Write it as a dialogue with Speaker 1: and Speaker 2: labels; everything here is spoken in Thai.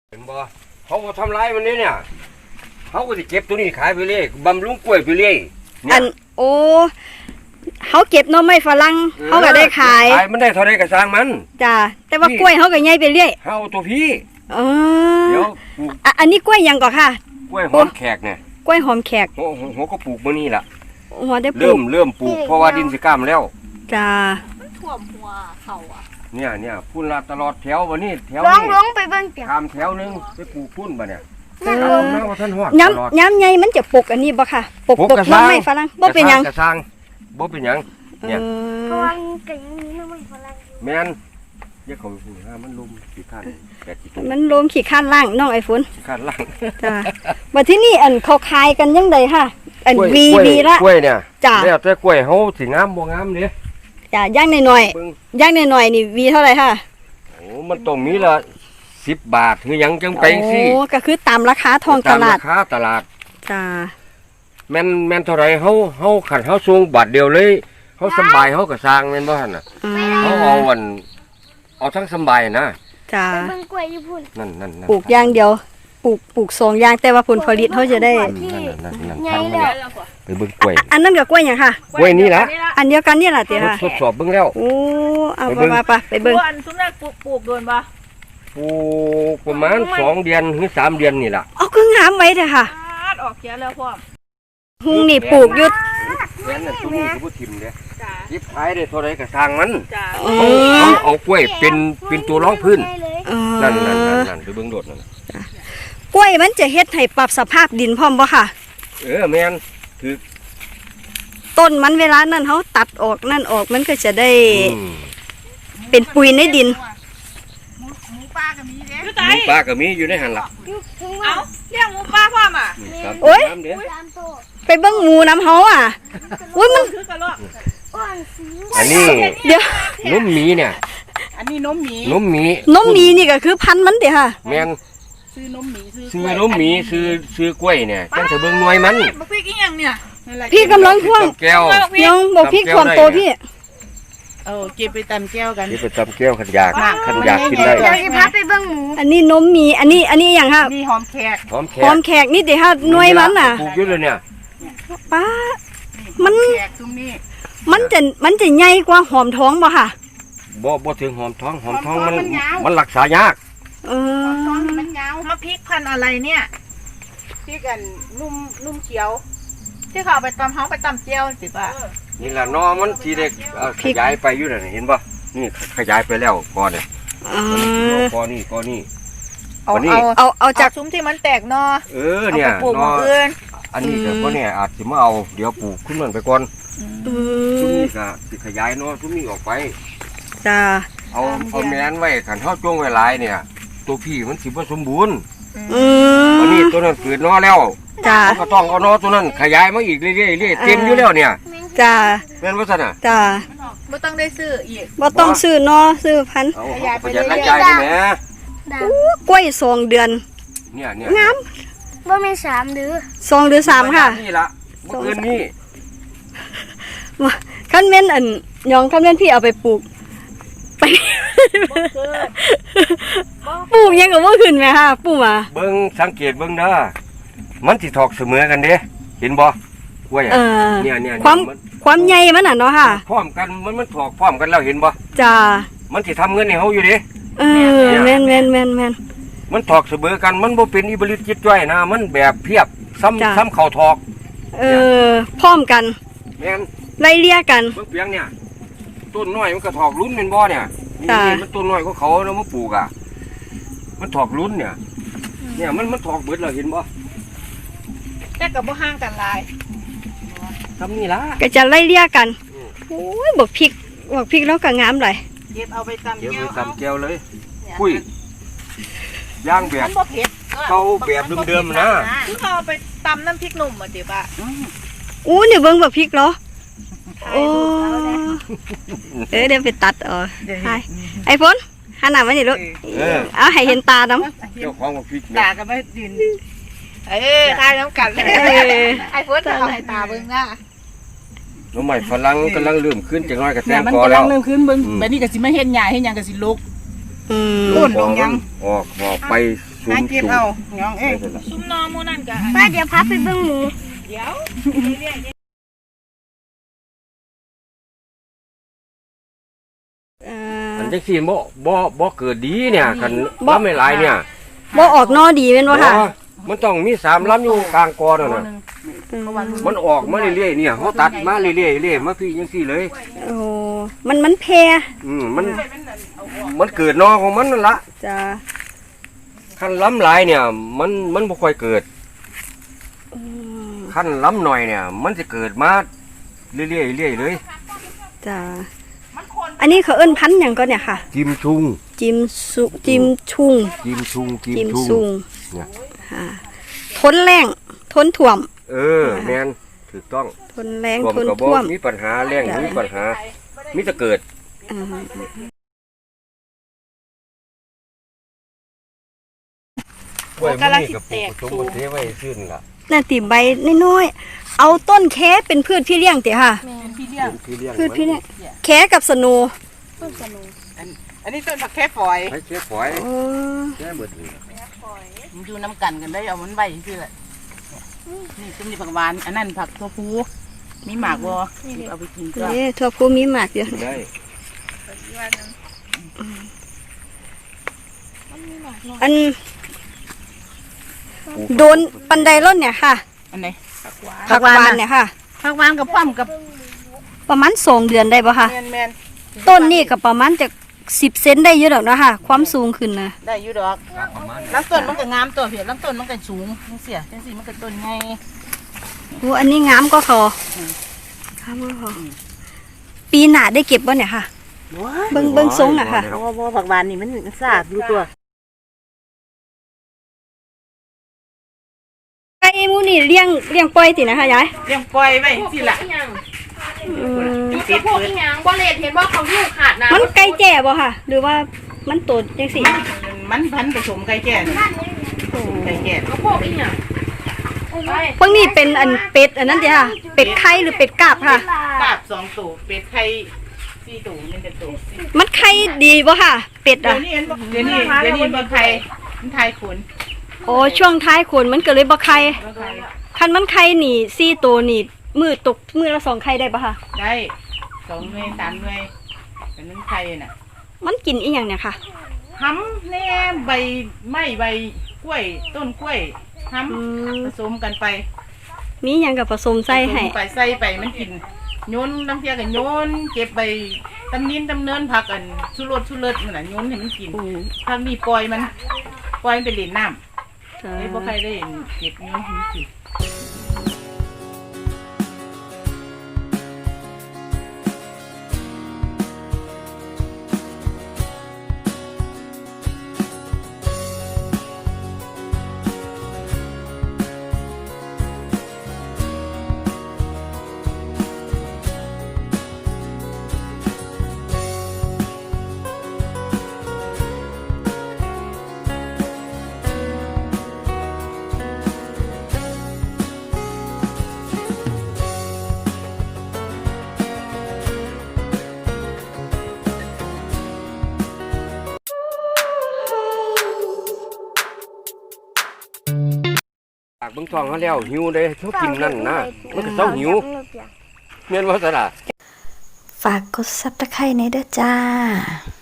Speaker 1: เห็นบ่เขาก็ทำร้ายมันเนี่ยเขาก็จะเก็บตัวนี้ขายไปเรื่อยบำรุงกล้วยไปเรื่อย
Speaker 2: อันโอ้เขาเก็บหน่อไม้ฝรั่งเขาก็ได้ขาย
Speaker 1: มันได้เท่าไรก็สร้างมัน
Speaker 2: จ้าแต่ว่ากล้วยเขาก็ใหญ่ไปเรื่อย
Speaker 1: เขาตัวพี่
Speaker 2: เดี๋ยวอันนี้กล้วยยังก่อนค่ะ
Speaker 1: กล้วยหอมแขกเนี่ย
Speaker 2: กล้วยหอมแขก
Speaker 1: หัวก็ปลูกมานี่แหละ
Speaker 2: หัวได้ปลูก
Speaker 1: เริ่มปลูกเพราะว่าดินสิกล้ามแล้ว
Speaker 2: จ้า
Speaker 3: ท่วมหัวเขาอ่ะ
Speaker 1: เนี่ยพุ่นละตลอดแถววันนี้แถว
Speaker 3: ลงไปเบิ่งเตียง
Speaker 1: ทำแถวนึงไปปลูกพุ่นบ่เนี่ย
Speaker 2: ย้ำใหญ่มันจะปลูกอันนี้บ่ค่ะปลูกหน่อไม้ฝรั่งบ่เป็นหยัง
Speaker 1: กระซังบ่เป็นหยังเนี่ย
Speaker 3: เพราะว่าก็ยังมีหน่อไม้ฝรั่ง
Speaker 1: แม่นเดี๋ยวเขาไปพูดมันลุมขี้ข้าน
Speaker 2: มันลมขี้ข้านล่างน้องไอ้ฝน
Speaker 1: ขี้ข้านล่าง
Speaker 2: จ้าว่าที่นี่อันเขาขายกันยังไงค่ะอันวีละ
Speaker 1: กล้วยเนี่ย
Speaker 2: จ้า
Speaker 1: แล้วแต่กล้วยเฮาสิงามบ่งามเด้
Speaker 2: จ้าย่างหน่อยนี่วีเท่าไหร่ค่ะ
Speaker 1: โอ้มันต้องมีละ10 บาทคือหยังจังไปสิ
Speaker 2: โอ้ก็คือตามราคาทองตลาด
Speaker 1: ตามราคาตลาด
Speaker 2: จ้า
Speaker 1: แม่นเท่าไหร่เฮาขันเฮาส่งบาทเดียวเลยเฮาสบายเฮาก็สร้างแม่นบ่หั่นน่ะเฮาเอาทั้งสบายนะ
Speaker 2: จ้า
Speaker 3: เบิ่งกล้วยอยู่พุ่น
Speaker 1: นั่น
Speaker 2: ปลูกอย่างเดียวปลูก2อย่างแต่ว่าผลผลิตเฮาจะได้
Speaker 3: ใหญ่แล้ว
Speaker 1: ไปเบิ่งกล้วย
Speaker 2: อันนั้นก็กล้วยหยังค่ะ
Speaker 1: กล้วยนี่ล่ะ
Speaker 2: อันเดียวกันนี่ล่ะติค่ะ
Speaker 1: ทดสอบเบิ่งแล้ว
Speaker 2: โอ้เอาไปเบิ่ง
Speaker 3: อันซุมแรกปลูกโดนบ่
Speaker 1: ปลูกประมาณ2 เดือนหรือ3 เดือนนี่ล่ะ
Speaker 2: เอาคืองามไว้เถอะค่ะ
Speaker 3: ออกเขียแล้วพ่อ
Speaker 2: หุงนี่ปลูกอยู่
Speaker 1: แม่นน่ะซุนี่ก็บ่ทิ่มเด้ยิบขายได้เท่าใดก็สร้างมัน
Speaker 3: จ้า
Speaker 1: เอากล้วยเป็นตัวรองพื้นนั่นไปเบิ่งโดดนั่น
Speaker 2: กล้วยมันจะเฮ็ดให้ปรับสภาพดินพร้อมบ่ค่ะ
Speaker 1: แม่นคือ
Speaker 2: ต้นมันเวลานั้นเฮาตัดออกนั่นออกมันก็จะได้เป็นปุ๋ยในดิน
Speaker 3: หมูป่าก็มีเด้
Speaker 1: หมูป่าก็มีอยู่ในหั่นล่ะ
Speaker 3: เอาเลี้ยงหมูป่าพร้อมอ่ะ
Speaker 2: โอ้ยไปเบิ่งหมูน้ำเฮาอ่ะโอ้ยมัน
Speaker 1: อันนี้
Speaker 2: เดี๋ยว
Speaker 1: นุ่มหมีเนี่ย
Speaker 3: อันนี้นมห
Speaker 2: มีนี่ก็คือพันธุ์มันเด้ค่ะ
Speaker 1: แม่น
Speaker 3: ซื้อนมหมี
Speaker 1: ซื้อกล้วยเนี่ยจังสิเบิ่งหน่วยมัน
Speaker 3: บ่พริกอีหยังเนี่ย
Speaker 2: พี่กำลังท่วง
Speaker 1: แก้ว
Speaker 2: ยังบ่พริกท่วมโตพี่
Speaker 3: เก็บไปตำแก้วกัน
Speaker 1: เก็บไปตำแก้วขันอยากกินได้
Speaker 3: เดี๋ยวสิพาไปเบิ่งหมู
Speaker 2: อันนี้นมมีอันนี้หยังค่ะ
Speaker 3: นี่หอมแข
Speaker 2: กนี่เด้ค่ะหน่วยมันน่ะ
Speaker 1: ปลูกอยู่เลยเนี่ย
Speaker 2: ป้ามันจะใหญ่กว่าหอมท้องบ่ค่ะ
Speaker 1: บ่ถึงหอมท้องมันรักษายาก
Speaker 3: ท้องมันยาวมาพริกพันอะไรเนี่ยพริกกันนุ่มเขียวที่เขาไปตำเฮาไปตำเจียวสิป่ะ
Speaker 1: นี่ล่ะนอมันทีเด็กขยายไปอยู่น่ะเห็นป่ะนี่ขยายไปแล้วก่อนเนี่ยก่อนนี่
Speaker 2: เอาจาก
Speaker 3: ซุ้มที่มันแตกนอ
Speaker 1: เนี่ย
Speaker 3: นอ
Speaker 1: อันนี้ก็บ่เนี่ยอาจสิมาเอาเดี๋ยวปลูกขึ้นมันไปก่อนซุ้มนี้ก็สิขยายนอซุ้มนี้ออกไป
Speaker 2: จ้า
Speaker 1: เอาแม่นไว้คันเฮาจ้วงไว้หลายเนี่ยตัวพี่มันสิบ่สมบูรณ์อันนี้ตัวนั้นเกิดนอแล้ว
Speaker 2: จ้า
Speaker 1: ก็ต้องเอานอตัวนั้นขยายมาอีกเรื่อยๆเต็มอยู่แล้วเนี่ย
Speaker 2: จ้า
Speaker 1: แม่นบ่ซั่นน่ะ
Speaker 2: จ้า
Speaker 3: บ่ต้องได้ซื้ออีก
Speaker 2: บ่ต้องซื้อนอซื้อพันธุ์
Speaker 1: ขยายไปเรื่อยๆนี่แหม
Speaker 2: กล้วย2 เดือน
Speaker 1: เนี่ย
Speaker 2: งาม
Speaker 3: บ่แม่น3เดือน
Speaker 2: 2 หรือ 3ค่ะ
Speaker 1: นี่ล่ะบ่เกินนี้
Speaker 2: คันแม่นอันยองคันแม่นพี่เอาไปปลูกไปปลูกยังก็บ่ขึ้นแม่ค่ะปลูกมา
Speaker 1: เบิ่งสังเกตเบิ่งเด้อมันสิถอกเสมอกันเด้เห็นบ่กล้วยเนี่ย
Speaker 2: ความใหญ่มันน่ะเนาะค่ะ
Speaker 1: พร้อมกันมันถอกพร้อมกันแล้วเห็นบ่
Speaker 2: จ้า
Speaker 1: มันสิทำเงินให้เฮาอยู่เด้
Speaker 2: แม่น
Speaker 1: มันถอกเสมอกันมันบ่เป็นอิบริตจิตจ้อยนะมันแบบเพียบซ้ำเข้าถอก
Speaker 2: พร้อมกัน
Speaker 1: แม่น
Speaker 2: ไล่เลี่ยกัน
Speaker 1: เบิ่งเปียงเนี่ยต้นน้อยมันก็ถอกลุ้นเป็นบ่เนี่ยนี่มันต้นน้อยก็เขาแล้วมาปลูกอ่ะมันถอกลุ้นเนี่ยมันถอกเบิดแล้วเห็นบ่
Speaker 3: แต่ก็บ่ห่างกันหลาย
Speaker 1: ทำนี่ล่ะ
Speaker 2: ก็จะไล่เลี่ยกันโอ้ยบักพริกแล้วก็งามหลาย
Speaker 3: เก็บเอาไปตำแ
Speaker 1: ก้วเลยคุยย่างแบบเขาแบบเดิมๆนะ
Speaker 3: เขาไปตำน้ำพริกหนุ่มอ่ะติป่ะ
Speaker 2: นี่เบิ่งบักพริกเหรอโอ้เดี๋ยวไปตัดไอ้ฝนหันหน้ามานี่ลูกเอาให้เห็นตาน้
Speaker 1: ำเจ้าของบักพริก
Speaker 3: ตาก็ไม่ดินตาน้ำกัดไอ้ฝนเอาให้ตาเบิ่งนะ
Speaker 1: น้องใหม่ฝรั่งกำลังเริ่มขึ้นจังน้อยกับแตง
Speaker 3: กอแล้วมันกำลังเริ่มขึ้นเบิ่งแบบนี้ก็สิไม่เห็นใหญ่เห็นยังก็สิลุกต้นลงยัง
Speaker 1: ออกไปสูง
Speaker 3: หาเก็บเอาหยองเอ้ย
Speaker 1: ได้ล่ะ
Speaker 3: ซุ่มนอหมู่นั่นก็
Speaker 2: ป้าเดี๋ยวพาไปเบิ่งหมู
Speaker 3: เดี๋ยวเรื่อยๆ
Speaker 1: อันจังซี่บ่เกิดดีเนี่ยคันบ่ไม่หลายเนี่ย
Speaker 2: บ่ออกนอดีแม่นบ่ค่ะ
Speaker 1: มันต้องมี3ลำอยู่กลางกอนั่นน่ะมันออกมาเรื่อยๆเนี่ยเฮาตัดมาเรื่อยๆมาพี่จังซี่เลย
Speaker 2: โอ้มันแพร่
Speaker 1: มันเกิดนอของมันนั่นล่ะ
Speaker 2: จ้ะ
Speaker 1: คันล้ำหลายเนี่ยมันบ่ค่อยเกิด
Speaker 2: อืม
Speaker 1: คันล้ำหน่อยเนี่ย มันจะเกิดมาเรื่อยๆเลย
Speaker 2: จ้ะอันนี้เขาเอิ้นพันธุ์หยังก็เนี่ยค่ะ
Speaker 1: จิมชุง
Speaker 2: จิมชุง
Speaker 1: จิมชุง
Speaker 2: จิมซุง
Speaker 1: เนี่ย
Speaker 2: ค่ะทนแรงทนท่วม
Speaker 1: แม่นถูกต้อง
Speaker 2: ทนแรง
Speaker 1: ท่วม
Speaker 2: ทน
Speaker 1: ก็บ่
Speaker 2: ท่วม
Speaker 1: มีปัญหาแรงมีปัญหามีแต่เกิด
Speaker 2: อ่า
Speaker 3: กำลังสิแตก
Speaker 1: สมบูรณ์เทไว้ซื่นล่ะ
Speaker 2: นั่นติใบน้อยๆเอาต้นแค้เป็นพืชพี่เลี้ยงติค่ะ
Speaker 3: พี่เลี้ยง
Speaker 1: ที่เลี้ยง
Speaker 2: พืชพี่เลี้ยงแค้กับสนู
Speaker 3: อันนี้ต้นผักแค่ฝอย
Speaker 1: ให้เชื้อฝอย
Speaker 2: อ๋อ
Speaker 1: แค่เบิดนี่
Speaker 3: มันอยู่น้ำกันกันได้เอามันใบซื่อแหละนี่ต้นนี้ผักหวานอันนั้นผักตัวพูมีหมากบ่เอาไปกินก็
Speaker 2: นี่ทั่วภูมิหมากอยู่
Speaker 1: กินได้
Speaker 2: อันโดนปันไดร่นเนี่ยค่ะ
Speaker 3: อันไหน
Speaker 2: ผักหวานเนี่ยค่ะ
Speaker 3: ผักหวานกับป้อมกับ
Speaker 2: ประมาณ2 เดือนได้ป่ะค่ะ
Speaker 3: แมน
Speaker 2: ต้นนี่ก็ประมาณจาก10 เซนได้เยอะดอกเนาะค่ะ ความสูงขึ้นนะ
Speaker 3: ได้อยู่ดอก
Speaker 1: ประมาณ
Speaker 3: ลำต้นมันก็งามตัวเพียลำต้นมันก็สูงจังเสียจังสีมันก็ต้นไง
Speaker 2: โอ้อันนี้งามก็พองามก็พอปีหน้าได้เก็บบ่เนี่ยค่ะ เบิ่งทรงน่ะค่ะ
Speaker 3: เพราะว่าผักหวานนี่มันซากอยู่ตัว
Speaker 2: ไก่หมูนี่เลี้ยงปล่อยตินะคะยาย
Speaker 3: เลี้ยงปล่อยไว้สิล่ะ
Speaker 2: อืม
Speaker 3: ติดเปิด
Speaker 4: บ่เลดเห็นว่าเขาอยู่ขาดนะ
Speaker 2: มันไก่แจ่บ่ค่ะ หรือว่ามันโตจังซี่
Speaker 3: มันพันผสมไก่แก่นี่ไก่แก่
Speaker 4: เขาพวกอีหยัง
Speaker 2: พวกนี้เป็นอันเป็ดอันนั้นติค่ะ เป็ดไข่หรือเป็ดกาบค่ะ
Speaker 3: กาบ2ตัวเป็ดไข่4ตัวมันเป็นตัว
Speaker 2: มันไข่ดีบ่ค่ะ เป็ด
Speaker 3: เดี๋ย
Speaker 2: อ่ะ
Speaker 3: วนี้เดี๋ยวนี้บ่ไข่มันไข่ขน
Speaker 2: โอ้ช่วงท้ายขนมันก็เลยบ่ไข่
Speaker 3: บ่ไข่
Speaker 2: คันมันไข่นี่4ตัวนี่มือตกมือละ2ไข่ได้บ่ค่ะ
Speaker 3: ได้2หน่วย3หน่วยเป็นนึงไข่น่ะ
Speaker 2: มันกินอีหยังเนี่ยค่ะ
Speaker 3: ห้ำแหน่ใบไม้ใบกล้วยต้นกล้วยห้
Speaker 2: อืม
Speaker 3: ำผสมกันไป
Speaker 2: มีหยังกับผสมใส่ให้
Speaker 3: ผสมไปใส่ไปมันกินโยนน้ำเพียกันโยนเก็บใบตำนินตำเนินผักอันชุรสมันน่ะโยนให้มันกิน
Speaker 2: อืม
Speaker 3: ผักนี่ปล่อยมันไปเล่นน้
Speaker 2: จ้า
Speaker 3: ำไอ้บ่ใครได้เก็บโยนให้มันกิน
Speaker 1: ปากเบิ่งท้องเขาแล้วหิวได้เขากินนั่นนะมันก็เศร้าหิวแม่นว่าซั่นล่ะ
Speaker 5: ฝากกดซับตะไคร้ในเด้อจ้า